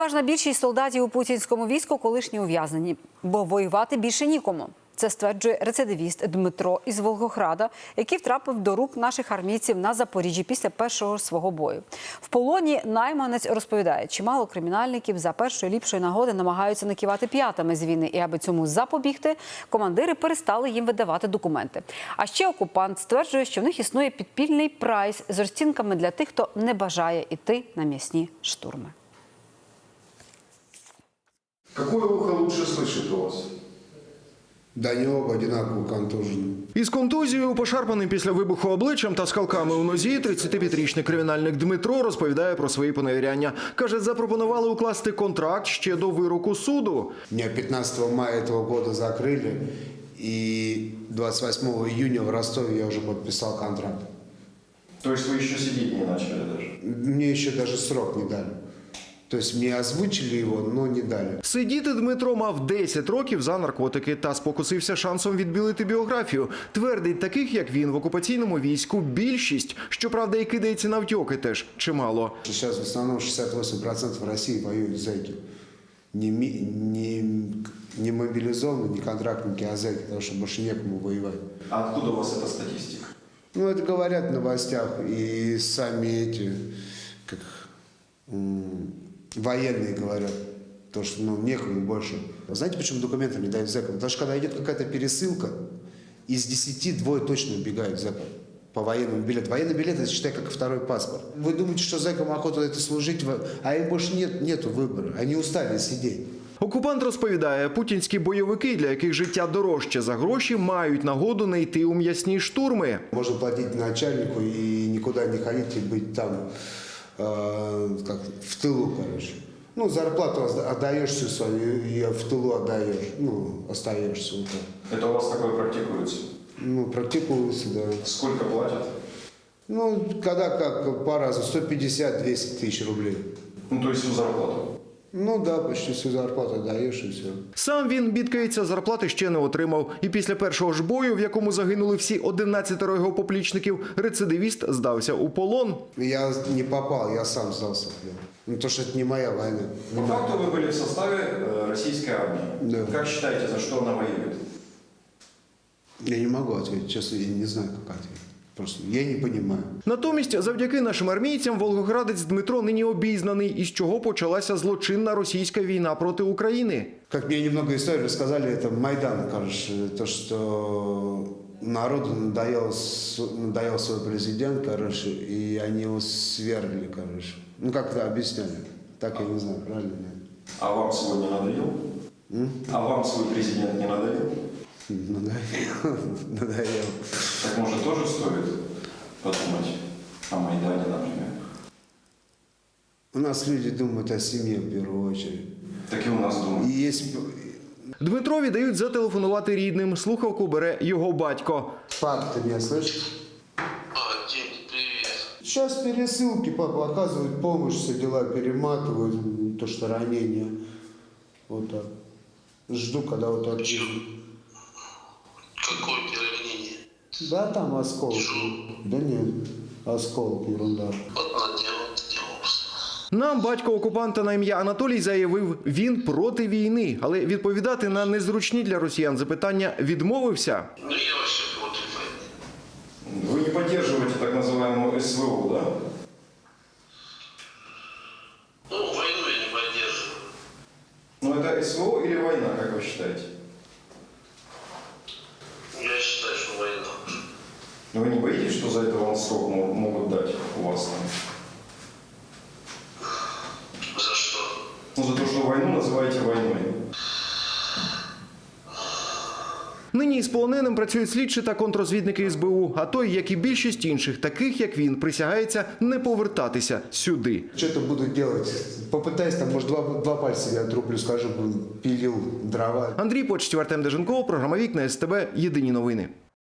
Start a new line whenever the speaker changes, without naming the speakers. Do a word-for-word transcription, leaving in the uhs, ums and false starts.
Переважна більшість солдатів у путінському війську колишні ув'язнені, бо воювати більше нікому. Це стверджує рецидивіст Дмитро із Волгограда, який втрапив до рук наших армійців на Запоріжжі після першого свого бою. В полоні найманець розповідає, чимало кримінальників за першої ліпшої нагоди намагаються накивати п'ятами з війни. І аби цьому запобігти, командири перестали їм видавати документи. А ще окупант стверджує, що в них існує підпільний прайс з розцінками для тих, хто не бажає йти на м'ясні штурми.
Какое ухо лучше слышит у вас?
Да не оба одинаково контужені.
Із контузією, пошарпаним після вибуху обличчям та скалками у нозі, тридцятип'ятирічний кримінальник Дмитро розповідає про свої поневіряння. Каже, запропонували укласти контракт ще до вироку суду.
Меня пятнадцатого мая этого года закрыли, и двадцать восьмого июня в Ростове я уже подписал контракт.
То есть вы еще сидеть не начали даже?
Мне еще даже срок не дали. То есть мне озвучили его, но не дали.
Сидіти Дмитро мав десять років за наркотики та спокусився шансом відбілити біографію. Твердить, таких, як він, в окупаційному війську більшість. Щоправда, і кидається на втьоки теж чимало.
Сейчас в основном шестьдесят восемь процентов России воюют зэки. Не, ми- не, не мобилизованные, не контрактники, а зэки, потому что больше некому воевать.
А откуда у вас эта статистика?
Ну, это говорят в новостях, и сами эти, как м, военные говорят, то, что ну, некому больше. Знаете, почему документы не дают зэкам? Потому что когда идет какая-то пересылка, из десяти двое точно убегают зэкам по военному билету. Военный билет, это считай, как второй паспорт. Вы думаете, что зэкам охота это служить, а им больше нет, нету выбора. Они устали сидеть.
Окупант розповідає, путінські бойовики, для яких життя дорожче за гроші, мають нагоду не йти у м'ясні штурми.
Можно платить начальнику и никуда не ходить и быть там, э, как в тылу, короче. Ну, зарплату отдаешь всю свою и в тылу отдаешь, ну, остаешься. Вот так.
Это у вас такое практикуется?
Ну, практикуется, да.
Сколько платят?
Ну, когда как, по-разному, сто пятьдесят - двести тысяч рублей.
Ну, то есть всю зарплату?
Ну, да, почти всю зарплату отдаешь и все.
Сам він, бідкається, зарплати ще не отримав. І після першого ж бою, в якому загинули всі одинадцятеро його поплічників, рецидивіст здався у полон.
Я не попал, я сам сдался. Ну, то, что это не моя война.
По факту вы были в составе э, российской армии.
Да.
Как считаете, за что она воюет?
Я не могу ответить, честно, я не знаю, как ответить. Просто я не понимаю.
Натомість, завдяки нашим армійцям, волгоградець Дмитро нині обізнаний, із чого почалася злочинна російська війна проти України.
Как мне немного истории рассказали, это Майдан, короче, то, что народу надоел, с- надоел свой президент, короче, и они его свергли, короче. Ну, как это объясняли? Так я не знаю, правильно? Нет?
А вам свой не надоел? А вам свой президент не надоел?
Надоел. Надоел.
Так может тоже стоит подумать о Майдане, например?
У нас люди думают о семье в первую очередь.
Так и у нас думают.
И есть...
Дмитрові дають зателефонувати рідним. Слухавку бере його батько.
Пап, ты меня слышишь?
А, Дим, привет.
Сейчас пересылки, папа, оказывают помощь, все дела перематывают, то, что ранение. Вот так. Жду, когда вот так.
Какое переранение?
Да, там осколки. Да нет, осколок, ерунда.
Вот наделал, делался.
Нам батько окупанта на ім'я Анатолій заявив, він проти війни, але відповідати на незручні для росіян запитання відмовився.
Ну, я вообще против войны.
Вы не поддерживаете так называемую СВО, да?
Ну, войну я не поддерживаю.
Ну это СВО или война, как вы считаете?
Я считаю, что война.
Но вы не боитесь, что за это вам срок мо- могут дать у вас там?
За что?
Ну за то, что войну называете войной.
Нині із полоненим працюють слідчі та контррозвідники ес бе у, а той, як і більшість інших, таких як він, присягається не повертатися сюди.
Что-то буду делать. Попытаюсь, там, может, два, два пальца я отрублю, скажу, пилил дрова.
Андрій Почтів, Артем Деженков, програма «Вікна ес те бе», єдині новини.